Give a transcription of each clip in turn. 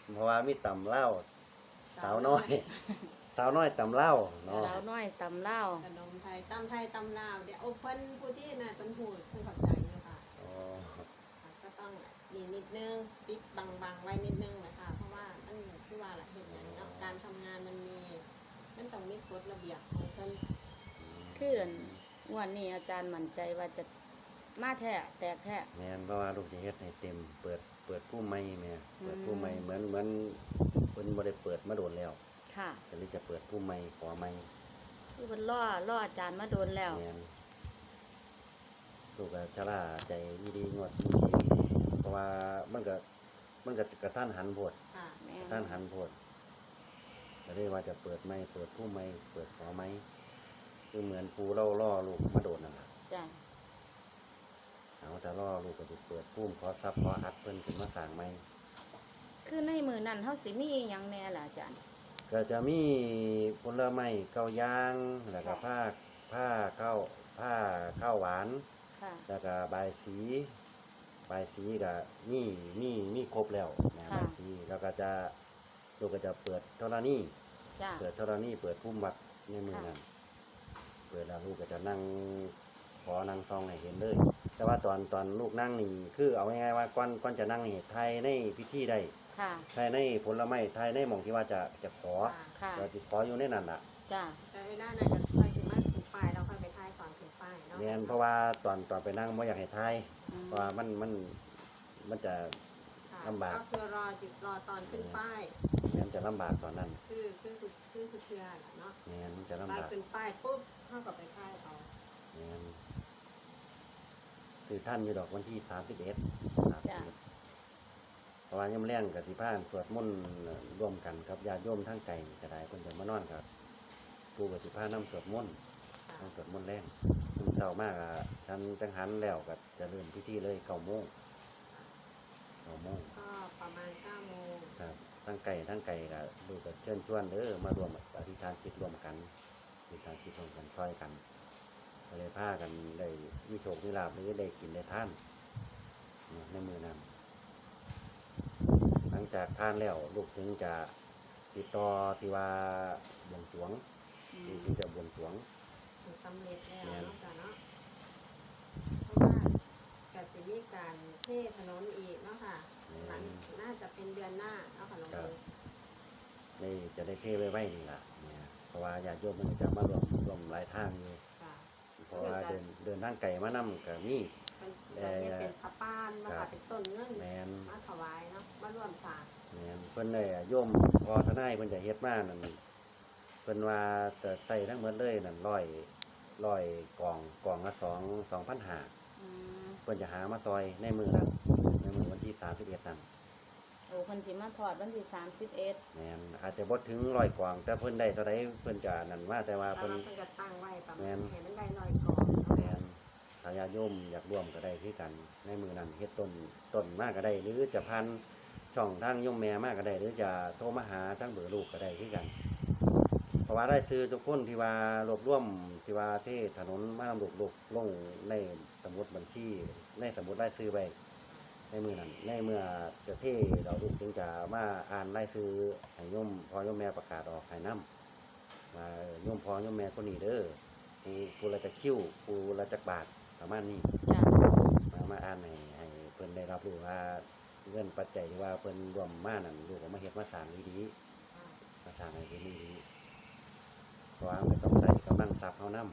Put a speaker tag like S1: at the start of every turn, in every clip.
S1: เพราะว่ามีตำเล่าสาวน้อย สาวน้อยตำเล่าเนาะ
S2: สาวน้อยตำเล่าว
S3: ขนมไทยตำไทยตำลาวเดี๋ยวเพิ่นผู้ที่น่ะเป็นผู้เพิ่นเข้าใจอยู่ค่ะ
S1: อ๋อ
S3: ก็ต้องมีนิดนึงปิดบังไว้นิดนึงนะคะเพราะว่ามันคือว่าละเห็นอย่างเนาะการทำงานมันต้องมีกฎระเบียบของเพิ่น
S2: คือวันนี้อาจารย์มั่นใจว่าจะมาแท้แตกแท้
S1: แม่นเพราะว่าลูกจะเฮ็ดให้เต็มเปิดผู้ใหม่แม่เปิดผู้ใหม่เหมือนเพิ่นบ่ได้เปิดมาโดนแล้ว
S2: ค่ะ
S1: ก็เลยจะเปิดผู้ใหม่ขอใหม่
S2: คือมันล่ออาจารย์มาโดนแล้ว
S1: แม่นลูกก็ชะล่าใจดีงวดดีเพราะว่ามันก็กระทันหันโพด
S3: ค่ะ
S2: แม่
S1: กระทันหันโพดก็เลยว่าจะเปิดใหม่เปิดผู้ใหม่เปิดขอใหม่คือเหมือนปูล่อลูกมาโดนนั่นล่ะ
S2: จ้ะ
S1: เอาแต่ล่อลูกก็จะเปิดปุ้มขอซับขออัดเพิ่นขึ้นมาสร้างใหม่
S2: คือในมือนั้นเฮาสิมีอิหยังแน่ล่ะอาจารย์
S1: ก็จะมีผลไม้เกาย่างแล้วก็ผ้าข้าวหวาน
S2: ค่ะ
S1: แล้วก็บายสีก็มีครบแล้วนะ
S2: ค่ะ
S1: บายสีแล้วก็จะลูกก็จะเปิดธรณี
S2: จ้ะ
S1: เปิดธรณีเปิดพุ่มวัดในมือนั้นเปิดแล้วลูกก็จะนั่งขอนั่งซองให้เห็นเลย แต่ว่าตอนลูกนั่งนี่คือเอาง่ายๆว่าก่อนจะนั่งนี่ไทยในพิธีได้
S2: ค่ะ
S1: ไทยในผลไม้ไทยในหม่องที่ว่าจะขอ
S2: ค่ะ
S1: ก็จะขออยู่ในนั้นล่ะ
S2: จ้ะ
S3: แต่เวลานั้นก็ค่อยสิมาขึ้นป้ายแล้วค่อยไปถ่ายก่อนขึ้นป้ายเนาะ
S1: แม่นเพราะว่าตอนไปนั่งบ่อยากให้ทาย
S2: อืม
S1: เพราะว่ามันจะ
S3: ค่ะ
S1: ลำบาก
S3: ก็คือรอตอนขึ้นป้าย
S1: แม่นจะลำบากตอนนั้น
S3: คือเชื่อแหละเนาะ
S1: แม่นมันจะลำ
S3: ป้าย
S1: บาก
S3: ขึ้นป้ายปุ๊บเท่ากับไปถ่ายเอา
S1: แม่นคือท่านอยู่ดอกวันที่31เพราะว่ายามแรงกับที่พานสวดมนต์ร่วมกันกับญาติโยมทั้งไกลก็ได้เพิ่นจะมานอนกับปู่กับสิพานํสวดมนต์
S3: ค่ะ
S1: นํสวดมนต์แรงซึ่งเช้ามากอ่ะฉันจังหันแล้วก็จะเริ่มพิธีเลย9:00 น 9:00 น
S3: ก็ประมาณ9 โมง
S1: ครับทั้งไก่ก็ลูกก็เชิญชวนมารวมอธิษฐานจิตรวมกันอธิษฐานจิตรวมกันซอยกันก็เลยพากันได้มีโชคมีลาภหรือได้กินได้ทานในมือนั้นหลังจากทานแล้วลูกถึงจะติดต่อที่ว่าบวงสรวง
S2: อื
S1: ลูก
S2: ม
S1: ถึงจะบวงสรวง
S3: ถึงสำเร็จแล้ว
S1: แม่น
S3: เนาะจ้ะเนาะเพราะว่าก็สิมีการเทถนนอีกเนาะค่ะหลังน่าจะเป็นเดือนหน้าเนาะค่ะน้องเอ๋ย
S1: นี่จะได้เทไว้นี่ล่ะเนี่ยเพราะว่าญาติโยมมันจะมารวมหลายทางอยู่
S3: ค่ะ
S1: เพราะว่าเดินทางไก่มานำก็มี
S3: เป็นจะเรียกเป็นพระป้านมา
S1: ครั
S3: ค่ะ
S1: บ
S3: เป็นต้นเงิน
S1: แมน
S3: มาถวายเนาะมาร่วมสร้าง
S1: แม่นเพิ่นได้โยมพอทนายเพิ่นจะเฮ็ดมานั่นเพิ่นว่าจะใส่ทั้งหมดเลยนั่นร้อยกล่องละ2,500
S2: อืม
S1: เพิ่นจะหามาซอยในมือนั้นในมือวันที่31นั่น
S2: โอ้เพิ่นสิมาถอดวันที่31
S1: แม่นอาจจะบ่ถึง100กล่องแต่เพิ่นได้เท่าใดเพิ่นจะนั่นว่าแต่ว่า
S3: แล้ว
S1: เพิ่น
S3: เราเพิ่นก็ตั้งไว้ประ
S1: แม่
S3: มาณ
S1: น
S3: ให้มันได้100 ก่อนเนาะ
S1: แม่นถ้าญาติโยมอยากร่วมก็ได้คือกันในมือนั้นเฮ็ดต้นมากก็ได้ หรือจะพันช่องทางโยมแม่มากก็ได้ หรือจะโทรมาหาทางเบอร์ลูกก็ได้คือกัน เพราะว่าได้ซื้อทุกคนที่ว่ารวบรวมที่ว่าที่ถนนมาลำลูกลงในสมุดบัญชีในสมุดรายซื้อไว้ในมือนั้นในเมื่อจะเทเราลูกจึงจะมาอ่านรายซื้อให้โยมพอโยมแม่ประกาศออกให้นํมาโยมพอโยมแม่คนนี้เด้อผู้ละจะคิ้วผู้ละจะบาทประมาณนี้
S2: จ้ะ
S1: มาอ่านให้เพิ่นได้รับรู้ว่าเงินปัจจัยที่ว่าเพิ่นรวมมานั่นลูกก็มาเฮ็ดมาสร้างดีๆมาสร้างให้เป็นดีๆเพราะว่าไม่ต้องใส่กำลังทรัพย์เฮานำ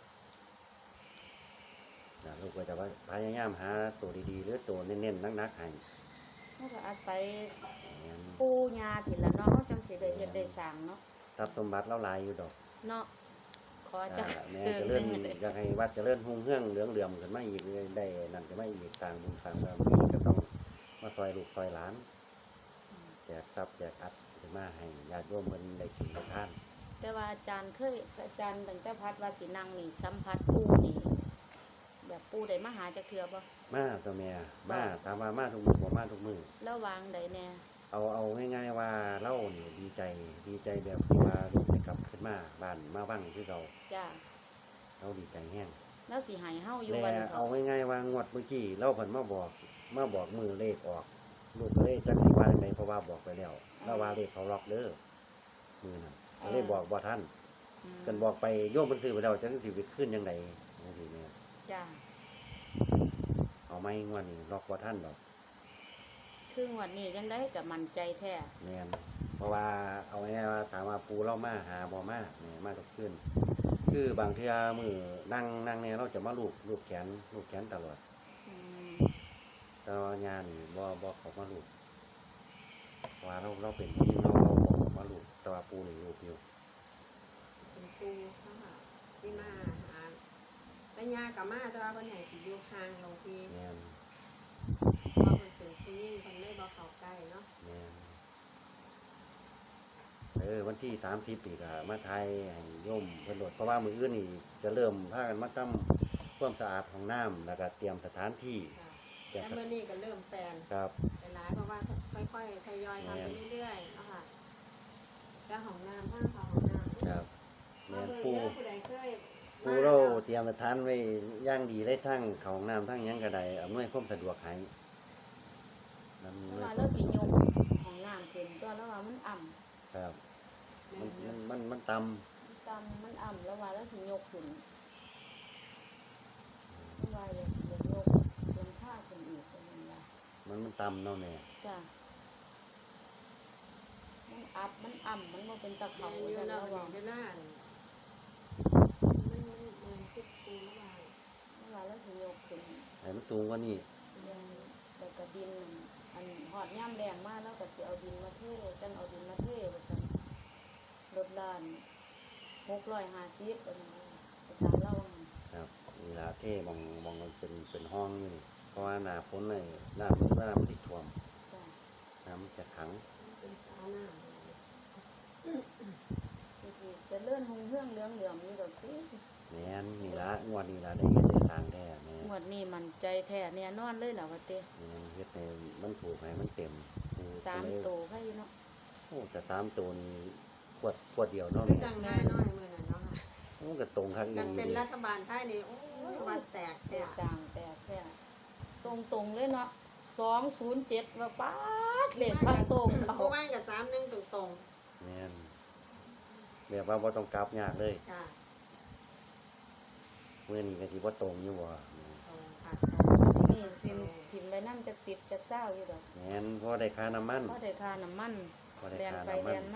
S1: ลูกก็จะว่าพยายามหาตัวดีๆหรือตัวเน้นๆนักๆให้
S2: เฮาก็อาศัย
S1: แม่น
S2: ปู่ย่าพี่ละเนาะเฮาจังสิได้เฮ็ดได้สร้างเนาะ
S1: ทรัพย์สมบัติเราหลายอยู่ดอก
S2: เนาะขอจัก
S1: แม่เจะเลื่อนอยากให้วัดเจะเลื่อนหุ่งเฮืองเหลืองเหลื่อมขึ้นมาอีกได้นั่นก็ไม่อีกสร้างบุญสร้างบารมีก็ต้องมาซอยลูกซอยหลานแจกทรัพย์แจกอัดขึ้นมาให้ญาติโยมเพิ่นได้กินได้ทาน
S2: แต่ว่าอาจารย์ตั้งแต่พัดว่าสินั่งนี่สัมผัสปู่นี่แบบปู่ได้มาหาจักเทื่อบ่
S1: มาตัวแม่มาถามว่ามาทุกมื้อบ่มาทุกมื้อ
S2: แล้ววางใดแน่
S1: เอาง่ายๆว่าเล่านี่ดีใจแบบที่ว่าลูกได้กลับขึ้นมาบ้านมาวังคือเรา
S2: จ้ะ
S1: เราดีใจแฮง
S2: แล้วสิให้เฮาอยู่
S1: แต่
S2: วัน
S1: เอา
S2: เถาะ
S1: ง่ายๆว่างวดเมื่อกี้เราเพิ่นมาบอกมือเลขออกลูกก็เลยจักสิว่าจังไดเพราะว่าบอกไปแล้วแล้วว่าเลขเขาล็อกเด้อมือนั้นก็เลยบอกบ่ทันกันบอกไปโยมเพิ่นซื้อไปแล้วจังสิไปขึ้นจังไดจังซี่แม่
S2: จ้า
S1: เอาไม้งวดนี้ล็อกบ่ทันดอก
S2: ครึ่งวันนี้ยังได้กับมันใจแท้
S1: แม่นเพราะว่าเอาง่ายๆว่าถามว่าปูเรามาหาบ่มาแม่มาทุกคืนคือบางเทื่อมื้อนั่งเนี่ยเราจะมาลูบแขนตลอด
S2: อืม
S1: แต่ว่ายานี่บ่เขามาลูบเพราะว่าเราเป็นผู้หญิงเราบอกมาลูบแต่ว่าปูนี่ลูบอยู่
S3: เป็นปูนะคะที่มาหาแต่ยากับมาแต่ว่าเพิ่นให้สิอยู่ห่างลงที่
S1: แม่น
S3: เพราะมันเป็นผู้หญิงเพิ่นเลยบ่เข้าใกล้เนาะ
S1: แม่นวันที่30ปีก็มาไทยให้โยมเพิ่นโดดเพราะว่ามื้ออื่นนี่จะเริ่มพากันมาทำความสะอาดห้องน้ำแล้วก็เตรียมสถานที่
S3: ค่ะ
S1: เตรีย
S3: แล้
S1: ม
S3: วมื้อนี้ก็เริ่มแปลน
S1: ครับ
S3: ไปหลายเพราะว่าค่อยๆทยอยทำไปเรื่อยๆเนาะค่ะก็ห้องน้ำห้างเขาห้องน้ำ
S1: ครับ
S3: มา
S1: แม่น
S3: เบิ่ง
S1: ปู
S3: เด้อผู้ใดเคย
S1: ปูเราเตรียมสถานไว้อย่างดีได้ทั้งเข้าห้องน้ำทั้งหยังก็ได้อำนวยความสะดวกให้นั่น
S2: เพ
S1: เล
S2: ราะว่าย เราสิยกของน้ำขึ้นตัวแล้วว่ามันอ่ำ
S1: ครับ
S3: แม่
S1: มันต่
S2: ตำมันอ่ำแล้วว่าเราสิยกขึ้นมันว่าอยากยกลงค่าขึ้นอีกเป็นยังไง
S1: มันต่ำเนาะแม่
S2: จ้ะมันอับมันอ่ำมันบ่เป็นตะ
S3: แม่
S2: เขา
S3: อยู่
S2: แต่
S3: แล้
S2: เรา
S3: ว
S2: ว่า
S3: เวลามันคิดปูแล้วว่า
S2: เราสิยกขึ้น
S1: ให้มันสูงกว่านี้
S2: ยังแต่กระดินอันหอดย่ำแรงมากแล้วก็สิเอาดินมาเทจังเอาดินมาเทว่าซั่นรถล้าน650ว่าซั่นอาจารย์เล่าว่า
S1: ครับเวลาเท่มองมันเป็นห้องอยู่นี่เพราะว่าหน้าฝนเลยน้ำติดท่วม
S2: จ้ะ
S1: น้ำมันจะขัง
S3: เป็นสาวหน้า
S2: คือสิจะเลื่อนหงเฮืองเหลืองเหลือมนี่ก็คือ
S1: แม่นนี่ละงวดนี้ละได้เฮ็ดได้สร้างแท้แม่
S2: หมวดนี้มันใจแท้แน่นอนเลยล่ะว่าเต้
S1: แม่นเฮ็ดให้มันถูกให้มันเต็มปู
S2: สาม
S1: ก็เลย
S2: โตให้เนาะ
S1: โอ้แต่3ตัวนี้ขวดเดียวเนาะ
S3: คือ
S1: แม่
S3: จังได้น้อยมื้อนั้นเนาะค่ะ
S1: โอ้ก็ตรงคักอี
S3: กัน
S1: หลี
S3: เป็น
S1: ดิ
S3: รัฐบาลไทยนี่โอ้ยวันแตก
S2: เต้
S3: แท้
S2: สร้างแต่แท้ตรงๆเลยเนาะ207ว่าป๊าดเลขพักตรงเขา
S3: ผู้ว่างกับ31ตรง
S1: แม่นแบบว่าบ่ต้องกลับยากเลย
S3: ๆจ้ะ
S1: มื้อนี้ก็สิบ่ตรงอยู่บ่
S3: ตรงค่ะ
S2: นี่สินถิ่มไปนำจัก10จัก20อยู่ดอก
S1: แม่นพอได้ค่าน้ำมัน
S2: พอได้ค่าน้ำมัน
S1: พอได้
S2: แล่น
S1: ค่า
S2: ไป
S1: น้ำมั
S2: แล่
S1: น
S2: นมา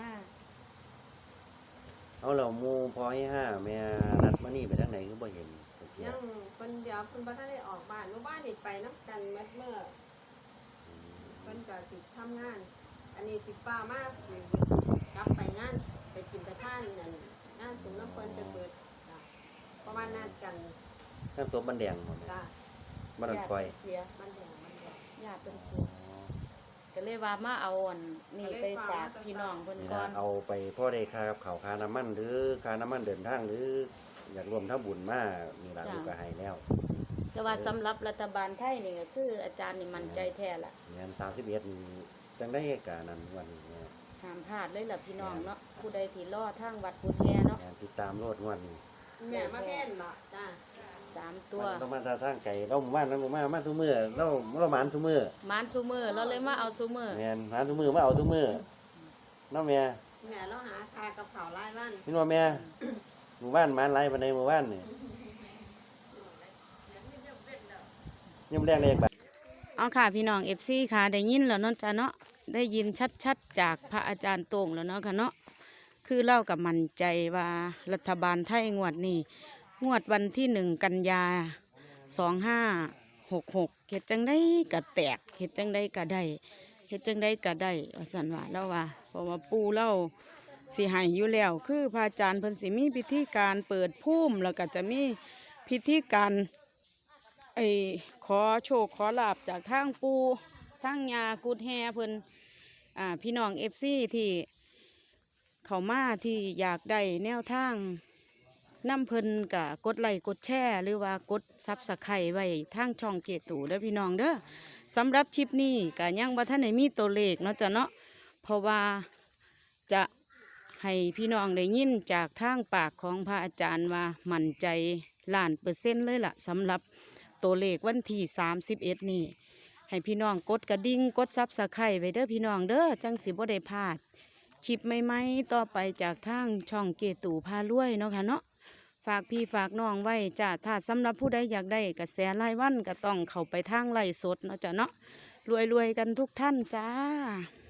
S1: เอาแล้วหมู่พอให้5แม่นัดมานี่ไปทางไหนคือบ่เห็นจักเที่ย
S3: ยังเพิ่นเดี๋ยวเพิ่นบ่ทันได้ออกบ้านเมื่อบ้านนี่ไปนํกันเมื่อเพิ่นก็สิทำงาน อันนี้สิฟ้ามากกลับไปงานไปกินไปทานนั่นงานสุนทรเพิ่นจะเปิดจ้ะเพราะว่านัดกัน
S1: ข้างศพมันแดงหมดเลย
S3: จ้ะ
S1: บ้านคอย
S2: เสีย
S3: มันแดงมันแดง
S2: ญาติเป็นเสียก็เลยว่ามาเอาอันนี่ไปฝากพี่น้องเพิ่น
S1: นี่
S2: ก่อ
S1: นะ
S2: น
S1: เอาไปพ่อได้ค่ากับเขาวค่าน้ำมันหรือค่าน้ำมันเดินทางหรืออยากรวมทั้งบุญมานี่ละลูกก็ให้แล้ว
S2: แต่ว่าสำหรับรัฐบาลไทยนี่ก็คืออาจารย์นี่มั่นใจแท้ละ
S1: เงิน31นี่จังได้เหตุการณ์นั้นวันนี้เนี่ย
S2: ห้ามพลาดเลยล่ะพี่น้องเนาะผู้ใดที่รอทางวัดกุฎแฮเนาะ
S1: งานติดตามโลดงวดนี้
S3: แม่มาแพ่นบ่จ้ะ
S2: 3 ตัว
S1: มันต้องมาทางไก่เราหมู่บ้านเราหมู่บ้านมาทุกมื้อเราหมานทุกมื้อ
S2: มานซูมือเราเลยมาเอาซูมือ
S1: แม่นหมานทุกมื้อมาเอาทุกมื้อเนาะแม่
S3: แม่เราหาคากับข้าวรายวัน
S1: พี่ว่าแม่หมู่บ้านหมานหลายปานใดหมู่บ้านนี่ยังแรงเลยบัด
S2: เอาค่ะพี่น้อง FC ค่ะได้ยินแล้วเนาะจ้ะเนาะได้ยินชัดๆจากพระอาจารย์โต่งแล้วเนาะค่ะเนาะคือเล่ากับมั่นใจว่ารัฐบาลไทยงวดนี้งวดวันที่1 กันยา2566เฮ็ดจังได้ก็แตกเฮ็ดจังได้ก็ได้เฮ็ดจังได้ก็ได้ว่าซั่นว่าแล้วว่าเพราะว่าปู่เล่าสิให้อยู่แล้วคือพระอาจารย์เพิ่นสิมีพิธีการเปิดภูมิแล้วก็จะมีพิธีการขอโชคขอลาบจากทางปู่ทางยากุดแฮเพิ่นพี่น้อง FC ที่เข้ามาที่อยากได้แนวทางนำเพิ่นกะกดไลค์กดแชร์หรือว่ากดซับสไครต์ไว้ทางช่องเกตูเด้อพี่น้องเด้อสำหรับคลิปนี้กะยังบ่ทันได้มีตัวเลขเนาะจ้ะเนาะเพราะว่าจะให้พี่น้องได้ยินจากทางปากของพระอาจารย์ว่ามั่นใจ1,000,000%เลยล่ะสำหรับตัวเลขวันที่31นี่ให้พี่น้องกดกระดิ่งกดซับสไครต์ไว้เด้อพี่น้องเด้อจังสิบ่ได้พลาดคลิปใหม่ๆต่อไปจากทางช่องเกตู่พารวยเนาะค่ะเนาะฝากพี่ฝากน้องไว้จ้าถ้าสำหรับผู้ใดอยากได้กระแสรายวันก็ต้องเข้าไปทางไลฟ์สดเนาะจ้ะเนาะรวยๆกันทุกท่านจ้า